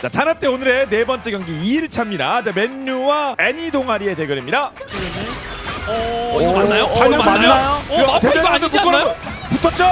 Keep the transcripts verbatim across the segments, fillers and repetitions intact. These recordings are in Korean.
자, 자나 때 오늘의 네 번째 경기 이 일 차입니다. 자, 맨유와 애니 동아리의 대결입니다. 어, 이거 맞나요? 어, 발로 이거 맞나요? 맞나요? 어, 마포 이거 아니지 않나요? 붙었죠?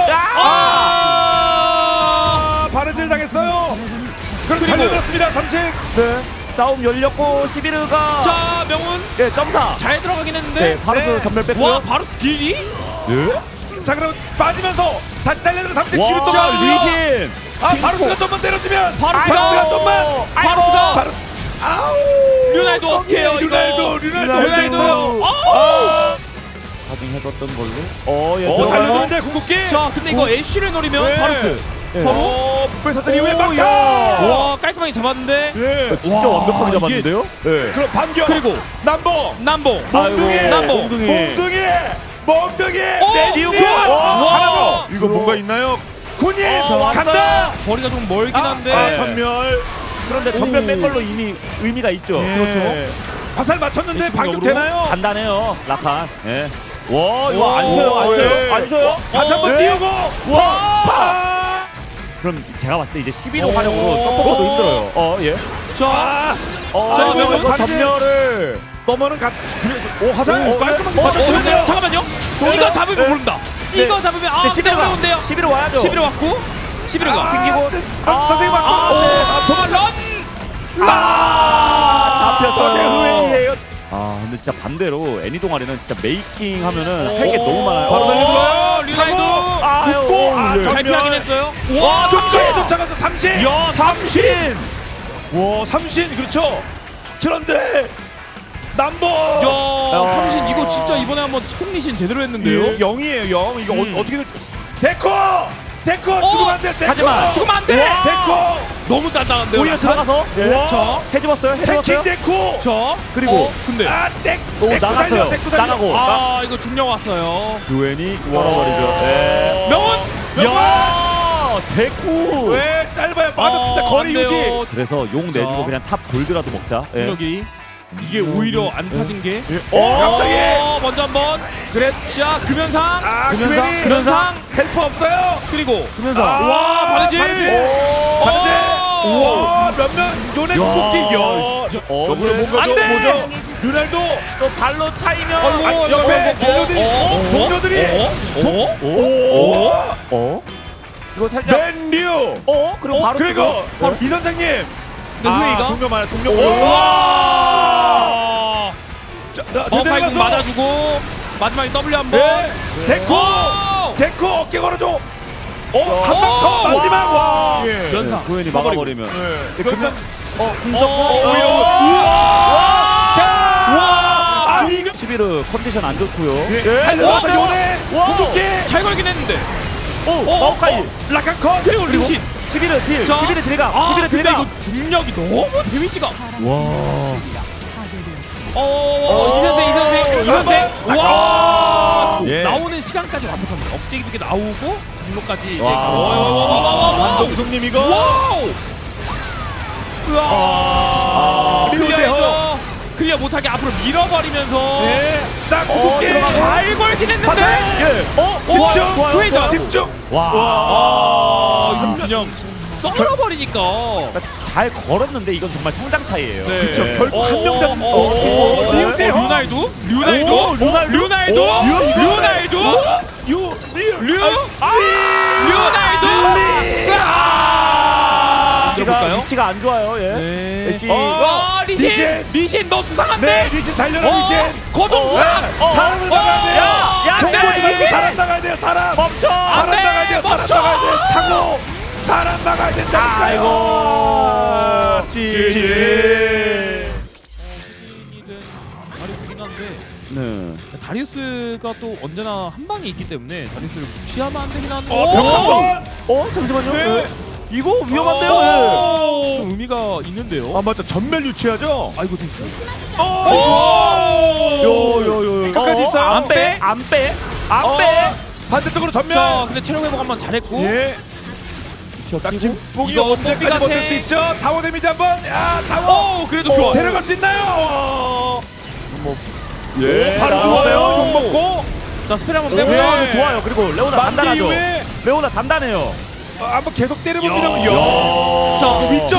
아! 아, 바르질 당했어요. 그리고 그리고- 달려들었습니다. 잠시. 네. 싸움 열렸고 시비르가 자, 명훈 네, 점사. 잘 들어가긴 했는데. 네, 바루스 네. 전멸 와, 뺐고요. 바로 딜이? 네. 자, 그럼 빠지면서 다시 달려들어 잠시 뒤로 또 와, 가고요. 리신. 아, 바루스가 좀만 때려주면. 바루스가 바루스가 좀만. 바루스가 바루스. 아우. 류날도 어떻게 해요, 이거? 류날도, 류날도 혼자 류날도. 있어요. 어! 가중해뒀던 걸로. 어, 예. 어, 들어가요. 달려드는데 궁극기. 자, 근데 이거 애쉬를 노리면 네. 바루스 네. 서로 어, 뺏었더니 이후에 오, 막타. 야. 와, 깔끔하게 잡았는데. 예. 진짜 와, 완벽하게 이게- 잡았는데요? 네. 그럼 반격. 그리고 남봉. 남봉. 몽둥이. 아이고, 남봉. 몽둥이. 몽둥이. 몽둥이. 어, 내디우. 와. 하나 더. 와. 이거 뭐가 있나요? 군인. 어, 왔다. 간다. 거리가 좀 멀긴 한데. 아, 전멸. 그런데 전멸 오. 뺀 걸로 이미 의미가 있죠. 그렇죠. 화살 맞췄는데 반격 되나요? 간단해요. 라칸. 예. 와, 이거 오, 안 쳐요. 안 예. 쳐요. 안 쳐요. 다시 한번 네. 띄우고. 와. 파. 그럼 제가 봤을 때 이제 십일 호 오. 활용으로 서포터도 힘들어요. 어, 예. 자, 아. 어, 자, 이거 이거 이거 반지. 전멸을 넘어는 가. 오, 화살. 오, 깔끔하게 어, 어, 맞췄는데요. 어, 잠깐만요. 이거 잡으면 네. 모른다. 네. 이거 잡으면 아, 네, 근데 십일 호 어려운데요. 십일 호 와야죠. 십일 호 왔고 십일 호가 아, 튕기고. 선- 선- 선생님 맞고. 아, 오, 아, 도망가. 아, 잡혔죠. 저게 후회이에요. 아, 근데 진짜 반대로 애니 동아리는 진짜 메이킹 하면은 오. 할 게 너무 많아요. 바로 오. 달려들어요. 류날도. 차고. 아, 붙고. 오, 아, 예. 잘 전멸. 피하긴 했어요. 와, 와, 뒤에 쫓아가서 삼신. 야, 삼신. 와, 삼신 그렇죠. 그런데 남보. 야, 삼신 이거 진짜 이번에 한번 콩리신 제대로 했는데요. 예, 영이에요, 영. 이거 음. 어, 어떻게 될- 데코. 데코 어, 죽으면 안 돼. 데코. 하지마. 죽으면 안 돼. 데코. 너무 단단한데요. 오히려 라칸? 들어가서 와. 저, 해집었어요. 태킹 해집었어요. 데코. 저 그리고 어, 근데 아, 데. 오, 데코 나갔어요. 달려. 데코 달려. 나가고. 아, 이거 중력 왔어요. 유엔이 걸어버리죠. 예. 명훈. 야, 대구. 왜 짧아요? 맞았습니다. 어, 거리 안 돼요. 유지. 그래서 용 내주고 자. 그냥 탑 골드라도 먹자. 예. 중력이 이게 오히려 안 타진 게. 어, 갑자기. 어, 먼저 한번. 그래. 자, 금연상. 아, 금연상, 금연이. 금연상. 헬퍼 없어요. 그리고 금연상. 아, 와, 바르지. 바르지. 오. 바르지. 오. 우와, 몇명 요네 궁극기. 야. 어, 옆으로 네. 뭔가 안 좀 돼. 뭐죠? 류날도. 또 발로 차이면. 아이고, 아, 옆에 어, 어, 딜러들이, 어, 동료들이. 어? 어? 오. 어? 이거 살짝. 맨류. 어? 그리고 어, 바로 그리고 쓰고. 바로 이 선생님. 근데 후웨이가 동료 많아. 동료. 와. 자, 나- 어, 파이팅 내려가서. 맞아주고 마지막에 W 한번. 네. 데코. 오! 데코 어깨 걸어줘. 어, 오! 한 방 더 와. 마지막. 와. 예. 연타. 구현이 막아버리고. 막아버리면. 네. 그러면 그러면 어, 어, 금속. 오히려. 와. 와. 아니 이거 시비르 컨디션 안 좋고요. 예. 달려서 와. 요네. 와. 궁극기. 잘 걸긴 했는데. 오, 어, 마오카이. 라칸 컷. 그리고 리신. 시비르 딜. 자. 시비르 딜가. 아, 시비르 근데 딜가. 이거 중력이 너무 데미지가. 와. 어, 어, 이 선생, 이 선생, 이 선생. 와. 예. 나오는 시간까지 완벽합니다. 업제기 두 개 나오고 장로까지 이제. 와. 와. 한동숙님 이거. 와우. 아. 우와. 리노데요. 클리어해서 클리어 못하게 앞으로 밀어버리면서. 네. 자, 궁극기. 들어가고. 잘 걸긴 했는데. 화살. 예. 어, 집중. 좋아요. 후회죠. 좋아요. 집중. 와. 아, 이거 그냥 썰어버리니까. 잘 걸었는데 이건 정말 성장 차이예요. 네. 그쵸. 예. 결국 한 명 잡는. 어, 어, 어, 어, 류재호. 어, 류날도? 류날도? 오, 류날도? 류날도? 오, 류날도? 유. 류. 류? 아. 류날도? 리. 아! 위치가, 볼까요? 위치가 안 좋아요. 예. 네. 애쉬. 어. 와, 리신! 리신! 리신 너 네, 수상한데? 리신 달려라 어, 리신. 거동수상! 어, 사람을 나가야 돼요. 야, 야, 공보지 야, 말고 리신! 사람 나가야 돼요. 사람. 멈춰. 사람 돼, 나가야 돼요. 사람 멈춰! 나가야 돼요. 차고. 사람 나가야 된다니까요. 아이고. 지지. 다리우스긴 한데 네. 다리우스가 또 언제나 한 방이 있기 때문에 다리우스를 무시하면 안 되긴 한데. 어, 벽 한 번. 어, 잠시만요. 네. 예. 이거 위험한데요. 오, 좀 의미가 있는데요. 아 맞다. 전멸 유치하죠. 아이고 됐어. 오. 요요요. 끝까지 있어요. 안 빼. 안 빼. 안 어. 빼. 반대쪽으로 전멸. 자, 근데 체력 회복 한번 잘했고. 예. 자, 김봉이 이거 언제까지 뽀삐 버틸 같아. 수 있죠? 타워 데미지 한번. 야, 타워. 오, 그래도 좋아. 데려갈 수 있나요? 예. 바로 나와요. 누워요. 욕 먹고. 자, 스펠 한번 오, 빼고. 네. 좋아요. 그리고 레오나 만기 단단하죠. 이후에 레오나 단단해요. 어, 한번 계속 때려봅니다. 야. 야. 자, 위쪽. 막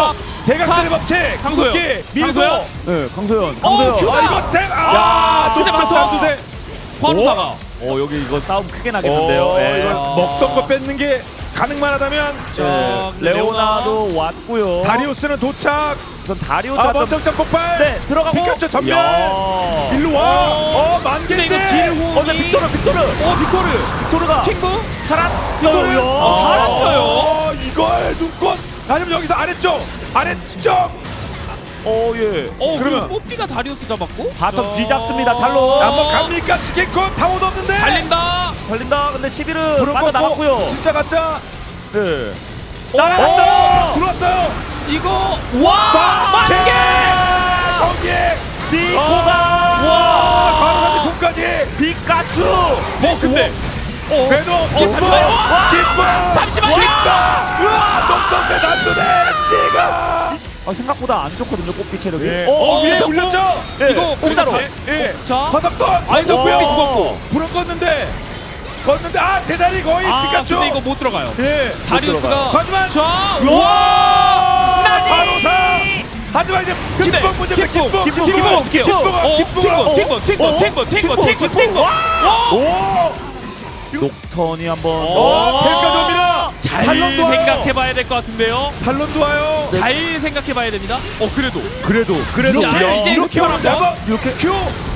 대각선의 법칙. 강소연. 궁극기 밀고. 강소연. 네, 강소연. 어, 강소연. 큐! 아 이거 대. 아 야, 높은 근데 선수대. 관우사가 어, 여기 이거 싸움 크게 나겠는데요. 어, 예. 이거 먹던 거 뺏는 게 가능만 하다면 자, 네, 레오나도 왔고요. 다리우스는 도착. 우선 다리우스 아 좀- 먼저점 폭발. 네, 들어가고. 피카츄 전멸. 야. 일로 와. 어 근데 이거 만개인데. 딜 어, 네, 빅토르, 빅토르. 어 빅토르 빅토르가 킹구 살았어요. 어, 살았어요. 어, 이걸 눈꽃. 아니면 여기서 아래쪽. 아래쪽. 어, 예. 어 그러면- 그러면 뽀삐가 다리우스 잡았고 바텀 뒤잡습니다. 달로. 한번 갑니까? 치킨콘 타워도 없는데. 달린다 걸린다. 근데 십일은 불은 빠져 껐고, 나갔고요. 진짜 가짜. 네. 어, 들어왔어요. 이거 와 만개 거기에 비코가. 와 바로 가지 공까지. 피카츄. 어 근데 어 그래도 기뻐 잠시만요. 와! 기뻐 잠시만요. 기뻐. 우와 똑똑해 난도네 지가. 아, 생각보다 안 좋거든요. 꽃비 체력이. 예. 어, 어, 위에 어, 물렸죠. 네. 이거 공짜로. 그래도 예. 예. 자 바닥던 아니 저 졌고요. 뽀삐 죽었고 불은 껐는데 껐는데 아 제자리 거의 아 피카츄. 근데 이거 못 들어가요 예. 다리우스가 하지만 자 와 와! 나니! 바로사. 하지만 이제 근데 기쁨 문제입니다. 기쁨, 기쁨 기쁨, 기쁨 기쁨 어떻게 해요? 기쁨 어, 기쁨. 팅거 팅거 팅거 팅거 팅거 팅거 팅거 오. 녹턴이 한번. 어, 텔까지 옵니다. 잘 탈론도 와요. 생각해봐야 될 것 같은데요 탈론도 와요. 잘 생각해봐야 됩니다 어 그래도 그래도. 그래도 자, 이렇게 이제 이렇게 큐 오는데 한번. 한번 이렇게 큐.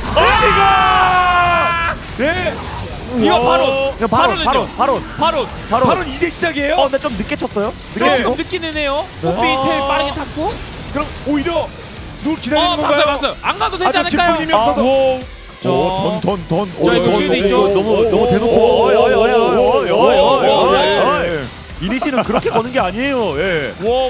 지가. 네. 이거 우와. 바로 야, 바로, 바로는요? 바로, 바로, 바로 바로. 바로 이제 시작이에요. 어, 근데 좀 늦게 쳤어요. 좀 늦게 지금 치고. 느끼는 해요 네. 뽀삐 아. 텔 빠르게 탔고 그럼 오히려 누굴 기다리는 어 건가요? 봤어요 봤어요 안 가도 되지 아주 않을까요? 기쁨이 없어서. 자. 오, 돈, 돈, 돈. 자, 이거 쉴드 있죠? 너무 너무 대놓고. 어이, 어이, 어이, 어이, 어이, 어이, 어이, 어이, 어이. 이니시는 그렇게 거는 게 아니에요. 예.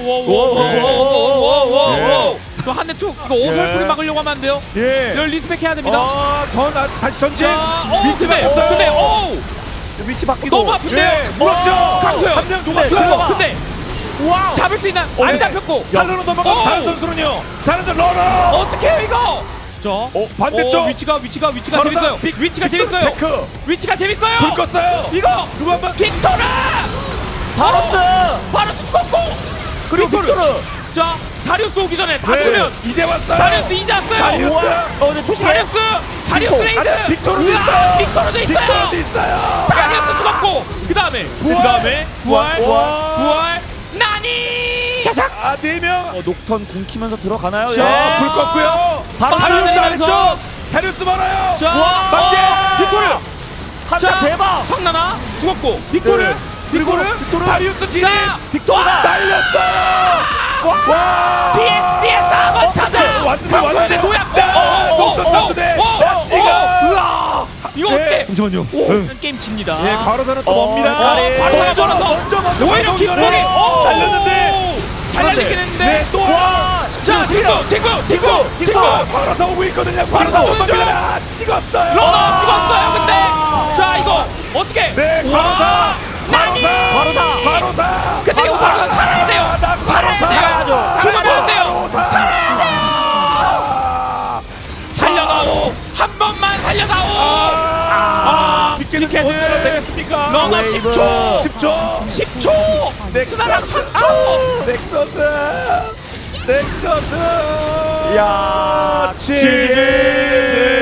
워워워워워워워워워 또 한 대 툭 이거 오설풀이 예. 막으려고 하면 안 돼요 예. 이걸 리스펙 해야 됩니다 어, 돈 아, 다시 전진. 자, 어 위치 근데 바뀌었어요. 근데 오 위치 바뀌고. 너무 아픈데요 예, 물었죠. 강소연. 한명 근데 녹았어요. 근데 와우. 잡을 수 있나 어, 안 네. 잡혔고 탈로로 넘어가. 오. 다른 선수는요. 다른 선수 러너. 어떻게 해요 이거 자 어, 반대쪽. 어, 위치가 위치가 위치가 바로 재밌어요 다 빅- 위치가 빅토르 재밌어요 체크. 위치가 재밌어요 불 껐어요. 이거 누구 한번 빅토르 바로스 바로 sus고 그리고 빅토르. 자 다리우스 오기 전에 다 네, 죽으면 이제 왔어요. 다리우스 이제 왔어요 다리우스. 어, 근데 초시계. 다리우스 다리우스 레이드 아니, 빅토르도 우와, 있어요. 빅토르도 있어요 빅토르도 있어요. 다리우스 죽었고 그 다음에 그 부활. 다음에 부활 부활. 부활 나니 샤샥 아, 네 명. 어, 녹턴 궁 키면서 들어가나요? 자, 자, 불 껐고요. 바로 다리우스 날아다니면서. 아래쪽. 다리우스 멀어요. 자 만개. 빅토르 한대 자 대박. 황나나 죽었고 빅토르 네. 빅토르 빅토르. 다리우스 진입. 자 빅토르가 날렸어요. 와. 디엑스 디엑스 한번 타자 왔는데, 방송에 왔는데. 도약고 네, 녹턴 선수대. 나치가. 이거 네. 어떻게 잠시만요. 오 게임 집니다 예, 과로사는 또 어, 멉니다. 가리. 바로 먼저, 걸어서. 먼저, 먼저. 오히려 방금 킥볼이 전에 달렸는데. 잘 날리긴 했는데 네, 또 와. 자 팅고 팅고 팅고 팅고 과로사 오고 있거든요. 과로사 과로사 오죠. 오죠. 찍었어요. 러너 죽었어요 근데 자 이거 어떻게 네, 와, 과로사. 나니 과로사. 과로사. 근데 이거 과로사 살아야 돼요 나 살아야 과로사. 돼요 죽으면 안 돼요 살아야 살려다오 한 번만 살려다오 아 빅게는 언제나 되겠습니까? 러너 웨이브. 십 초 십 초. 십 초 넥스나랑 삼 초 넥서스. 넥서스. 야, 지지.